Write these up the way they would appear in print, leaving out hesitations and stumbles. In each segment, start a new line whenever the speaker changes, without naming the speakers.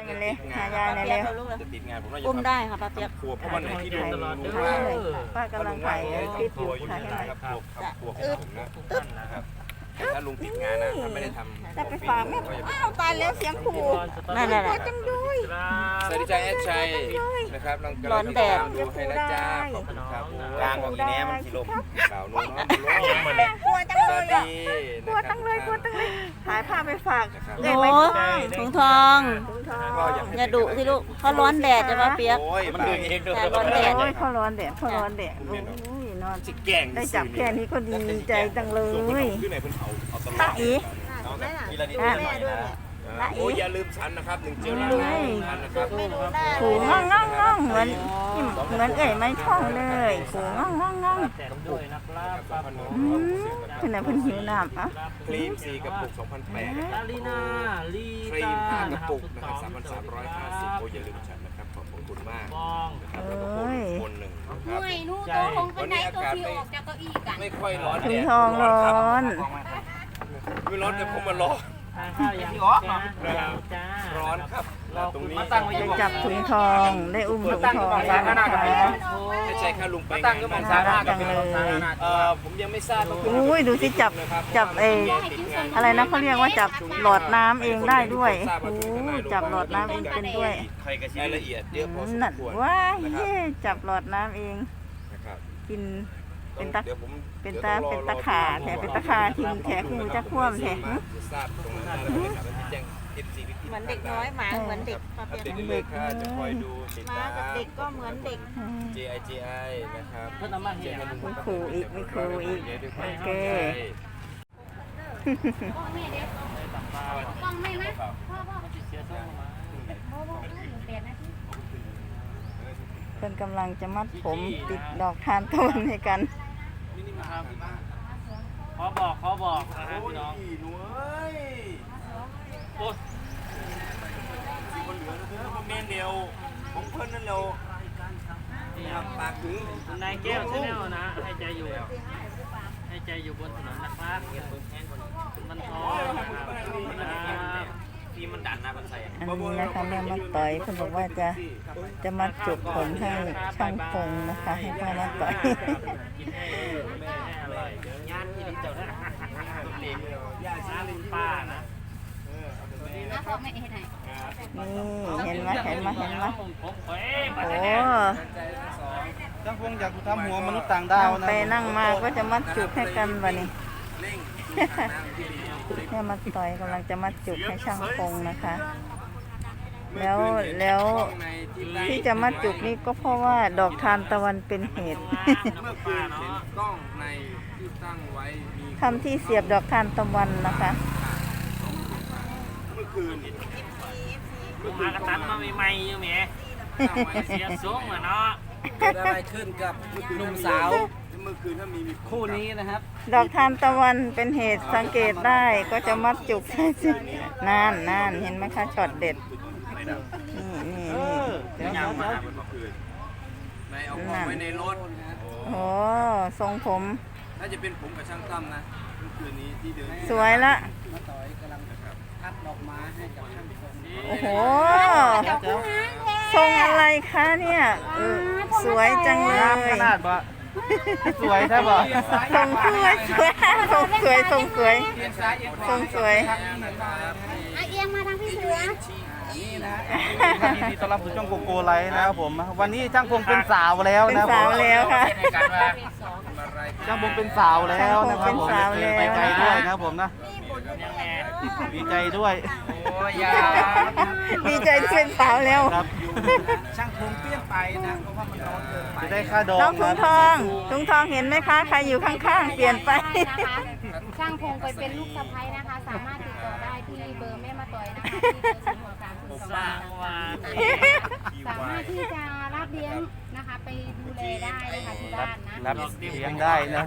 มันเลยหายายหน่อยเร็ว
จะติดงานผมน่าจะ
อุ้มได้ค่ะป้าเปียก
ครัวเพราะวันไหนที่ดู
ป้ากำลังถ่ายคลิปอยู่ถ่ายให้หน่อย
ครับครัวของผมนะนะครับถ้าลุงติดงานนะไม่ได้ทำ
จะไปฝากแม่อ้าวตายแล้วเสียงขู่
นั่นแหละ
กลัวจังด้วย
สวัสดีจ้าแอดชัยนะครับกำลังติดตามดูให้นะจ้าขอบคุณครับกลางของอีแหนมันสีลมเปล่านุ่มน้องมันเลย
กลัวจัง
ส
เล
วัส
ยอ่ะ
ดี
กลัวจังเลยกลัวจังเลยถ่ายภาพไปฝาก
โอ้ถุงทอง
ถุงทอง
อย่าดุสิลูกเขาร้อนแดดจะป้าเปียก
โอ้ยมันดึงเองด้วย
แต่ร้อนแดด
โอ้ยเขาร้อนแดดเขาร้อนแดดโอ้ยนอน
จิกแก่ง
ได้จับแค่นี้ก็ดีใจจังเลย
ขึ้นไหนเพิ่นเอาตลอด
ตาอี
ทีละนิดหน่อยนะโอ้ยอย่าลืมฉันนะครับ1 เจลล้างฉันนะครับ
ขู่ง่องง่องง่องเหมือนเอ๋ยไม้ท่องเลยขู่ง่องง่องง่อง
แถมด้วยนะครับครับผม
ขณะเพิ่นหิวน้ำอ่ะ
ครีม4 กระปุก 2,800นะครับ
ลาลีนาลี
ครี
ตาม
5 กระปุกนะครับ 3,350โอ้ยอย่าลืมฉันนะครับขอบคุณมาก
มอง
นะครับแล้วก็คนหนึ่งนะครับ
หน่วยนู่ตัวลงไปไหนตัวที่ออกจากเก้าอี้กัน
ไม่ค่อยร้อน
ถุ
แด
ง
ด
ทองร้อน
ไม่ร้อนแต่ผมมันร้อน
ทานข้าวยังจ้า
ร้อนครับตรงนี้
ได้จับถุงทองได้อุ้มถุงทองแล้วนะคะ
ไม่ใช่แค่ลุงไป
ตั้งก็มันสา
น่า
ระ
รักจังเลย
ผมยังไม่ทราบ
อุ้ยดูสิจับอะไรนะเขาเรียกว่าจับหลอดน้ำเองได้ด้วยโอ้จับหลอดน้ำเองเป็นด้วย
ใครกระชี้รายละเอียดเยอะพอสม
นั่น
ควร
ว้ายเย่จับหลอดน้ำเอง
นะครับ
กินเป็นตะ
ดี๋ยวผม
เป็นตะขาแถเป็นตะขาทิมแถคือจะคว่ำแถ
จะทราบตรงนั้นแล้วก็จะแจ้ง FC
เหมือนเด็กน้อยหมาเหมือนเด็กป้า
อัป
เปียก
เดตเรื่อยๆค่ะจะคอยดูติด
หมา
ตาม
กับเด็กก็เหมือนเด็ก
JIGI นะครับ
เพื่อนเอามาเห็น
ไม่ครูอีกไม่ครูอีกโอเค
พ่อแม่เด็กกล้องไม่นะพ่อ
เสียส้มมา
พ่อเปลี่ยนนะที่
เพิ่นกำลังจะมัดผมติดดอกทานตะวันให้กัน
ครับขอบอกนะครับพี่น้อง
หนูเอ้ย
โอ้
สิคนเหลือเด้อคอมเมนต์เดียวของเพิ่นนั่นเร็วปากถึง
นายแก้วชาแนลนะให้ใจอยู่บนถนนนะครับมันท้อนะครับที่มันดันนะมันใส่
อันนี้นะคะแม่มาต่อยเพิ่นบอกว่าจะมัดจุกผมให้ช่างพงนะคะให้พ่อมาต่อย
กินให้แม่อร่อยงานที่เจ้านะเล็กน้ำป้านะ
นะพ่อแม่เห็นไหน
นี่เห็นไหม
ผมเฮ้ย
โอ้
ช่างพงอยากทำหัวมนุษย์ต่างดาว
นั่ง
นะ
ไปนั่งมาก็จะมัดจุกให้กันวะนี่ แม่มาต่อยกำลังจะมัดจุกให้ช่างพงนะคะ แล้วที่จะมัดจุกนี่ก็เพราะว่าดอกทานตะวันเป็นเหตุ
เมื่อคืนเห็นกล้องในที่ตั้งไว้มี
ทำที่เสียบดอกทานตะวันนะคะ
เมื่อคืน
มากระตันมาใหม่ๆอยู่แหมเสียสูงเหมือนเนาะ
เกิดอะไรขึ้นกับหนุ่มสาว
เมื่อคืนถ้ามี
คู่นี้นะครับ
ดอกทานตะวันเป็นเหตุสังเกตได้ก็จะมัดจุกใช่สินั่นเห็นไหมคะช็อตเด็ดนี่
เดี๋ยว
เมื่อคืนในเอาของไว้ในรถ
โอ้ทรงผม
น่าจะเป็นผมกับช่างตั้มนะเมื่อคืนนี้ที่เดิน
สวยละ
มาต่อยกำลังพัดดอกไม้ให้กับช่างพง
โอ้โหทรงอะไรคะเนี่ยสวยจังเลย
ขนาดบ่สวยใช่บ่
ทรงสวยทรงสวย
อ่ะเอียงมาทางพี่เสือ
นี่นะยินดีต้อนรับสู่ช่องโกโก้ไลท์นะครับผม วันนี้ช่างพงเป็นสาวแล้ว
เป็น
นะ
สาวแล้วค่ะ
ช่างพงเป็นสาวแล้วนะครับผม
เป็นสาวแล้ว
ไปไกลด้วยนะครับผมนะดีใจด้วย
ดีใจที่เป็นสาวแล้ว
ครับ
ช่างพงเปลี่ยนไปนะเพราะว่ามันร้อนเกินไป
จะได้ค่าดอง
น้องถุงทองเห็นไหมคะใครอยู่ข้างๆเปลี่ยนไป
นะคะช่างพงไปเป็นลูกสะใภ้นะคะ สามารถติดต่อได้ที่เบอร์แม่มาต่อยนะคะที่เบอร์063
สร้างวาน
สามารถที่จะรับเลี้ยงนะคะไปดูแลได้นะคะที่บ้านนะ
รับเลี้ยงได้นะ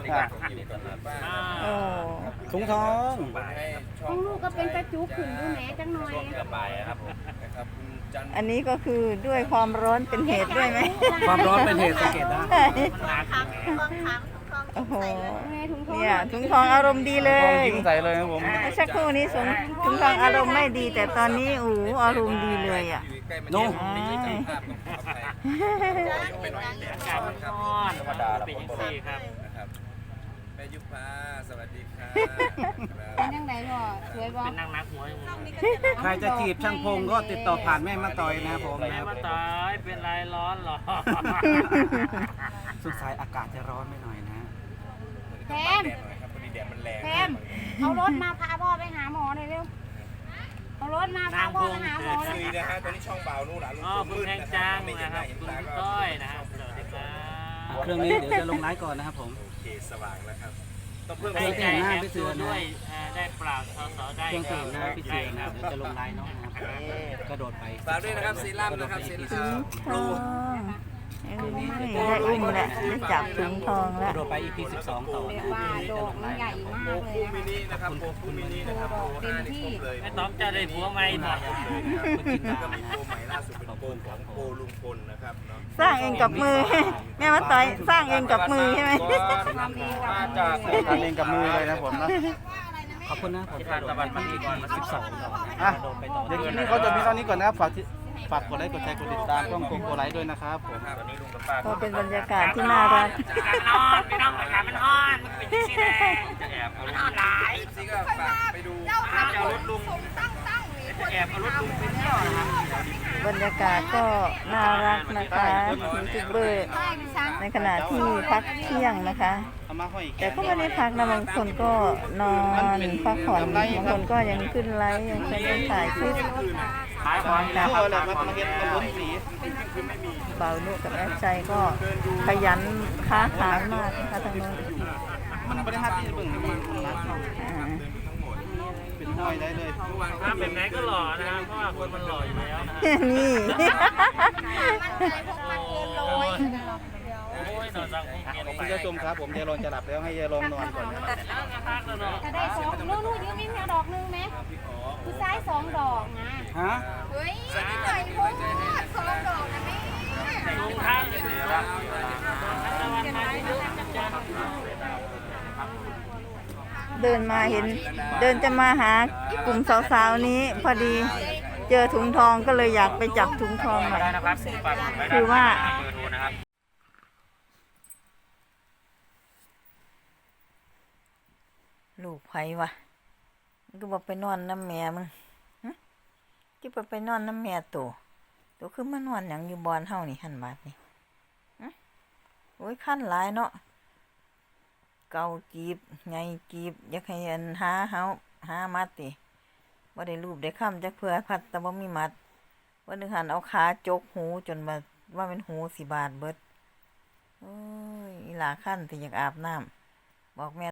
โอ้
ถุงทอง
ของลูกก็เป็นกระจุกขึ้นดูแหนจังหน่อย
อันนี้ก็คือด้วยความร้อนเป็นเหตุด้วยไหม
ความร้อนเป็นเหตุสังเกตได้
บางครั้ง
โอ้โห
ไงถุงทอง
เนี่ยถุงทองอารมณ์ดีเล
ทอง
ย
ยิ้มใส่เลยครับผม
เมื่อสักครู่นี้ถุงทองอารมณ์ไม่ดี แต่ตอนนี้โอ้โหอารมณ์ดีเลยอ่ะ
อยู่ใกล้มัน
โน่
ไม่ใช่ภาพต้องขออภัยไปหน่อยแดด
อากาศมันร้อนธรรมดาเป็นอย่างนี้ครับ
นะครับแม่ยุพาสวัสดีครับ
เป็นยังไงพ่อสวยบ่
เป็นนักหัวอยู่
ใครจะจีบช่างพงก็ติดต่อผ่านแม่มาต่อยนะครับผม
แม่มาตายเป็นไรร้อนหรอ
สงสัยอากาศจะร้อนไปหน่อยนะ
แพม
แดดหน่อยครับพอดีแดดมันแรง
แพมเอารถมาพาพ่อไปหาหมอหน่อยเร็วเอารถมาพาพ่อไปหาหมอหน่อย
คุยนะฮะตอนนี้ช่องเบานู่นหล่ะลุง
อ๋อ
ตัว
คุณ
มืด
แพง
นะค
จั
รั
ง
บไม่เห็
นะ
น
ค
ห
รั
น้า
บ
เห็น
คุณ
ตาก็
ต้อยนะครับสวัสดีครับ
เครื่องนี้เดี๋ยวจะลงไลฟ์ก่อนนะครับผม
โอเคสว่างแล้วครับต้องเพิ่ม
ให้
เสียง
ใจแถมตัวด้วยได้ปราบสอได้
เครื่อง
ครั
ตื่นหน้าพี่เจนะเดี๋ยวจะลงไลน์เนาะนะครับกระโดดไป
ฝากด้วยนะครับซีรั่มนะครับซีรั่ม
ทองได้อุ้มแล้วได้จับถุงทอง
ก
แล้ว
ระโดดไป EP 12 ต่อ
เรีย
นะ
กว่าโดกมันใหญ่มาก
โปร
เลย
คู่
นะ
มินินะครับโปรคู่มินินะครับโปร5นี่ครบเลย
ไม่ต้องจะได้ผัวใหม่หน่อย
แล้วก็มีโปรใหม่ล่าสุดเป็นโปรของโปรลุงพลนะครับเนาะ
สร้างเองกับมือ แม่มาต่อยสร้างเองกับมือใช่ไหม
มาจาก
ทำเองกับมือเลยนะผมนะ
ขอบคุณนะผมกระโดดไป EP 12 ต่อ
อ่ะ
กระโดดไปต่อ
เดี๋ยวคลิปนี้เขาจะมีเท่านี้ก่อนนะครับฝากกดไลค์กดแชร์กดติดตามช่องโกโกไลค์ด้วยนะครับผม
วันนี้ลุงกับป้า
ก็เป็นบรรยากาศที่น่ารัก
นอนพี่น้องอากาศมันร้อนมันเป็นสีแดง
จะแอบเอารถหลายซีก็ฝากไปดู
จะเอารถลุงจะแอบเอารถลุงไปเที่ยวนะครับ
บรรยากาศก็น่ารักนะคะยูทูบเบอร์ในขณะที่พักเที่ยงนะคะ
เอามาห้อยแข
แต่
น
ก็ไม่ได้พักนะบางคนก็นอนพักผ่อนบางคนก็ยังขึ้นไลฟ์ยังคนยังถ่ายคลิป
ขายของ
เพื่ออะไรมาเห็นมาลุ้นสี
เบานุกับแอดใจก็ขยันค้าขายมากนะคะทางโน้น
มันไม่ได้ห้าที่เบิ่งมันนะ
อ่า
เป็นห้อยได้เลย
ถ้าเป็นไหนก็หล่อนะครับเพราะว่าคนมันหล่ออยู่แล้วนะ
นี่
โอ้ยนอนสังคมเกียรติ
คุณผู้ชมครับผมยายรองจะหลับแล้วให้ยายรองนอนก่อนนะครับ
จะได้สองนู่นยืมมิ้นเอาดอกนึงไหมคือซ้าย2 ดอกนะ
ฮะ
เฮ้ยนี่หน่อยพวก2 ดอกนะแม่
ลงท่านเลยนะครับ
เดินมาเห็น เดินจะมาหากลุ่มสาวๆนี้ พอดีเจอถุงทองก็เลยอยากไปจับถุงทองหน่อย
ได้นะครับฝากไว้
คือว่า
เบอร์โทรนะครับ
ลูกไผวะมันก็บอกไปนอนน้ำแม่มึงหึที่ไปนอนน้ำแม่ตัวคือมานอนอย่างอยู่บอนเฮานี่หันบาดนี่หึโอ้ยขั้นหลายเนาะเกาจีบไงจีบอยากให้อันหามัดติบ่ได้รูปได้ค้ำจักเพื่อพัดแต่บ่มีมัดวันหนึงหันเอาขาจกหูจนว่าเป็นหูสิบาดเบิดโอ้ยอีหลาขั้นที่อยากอาบน้ำบอกแม่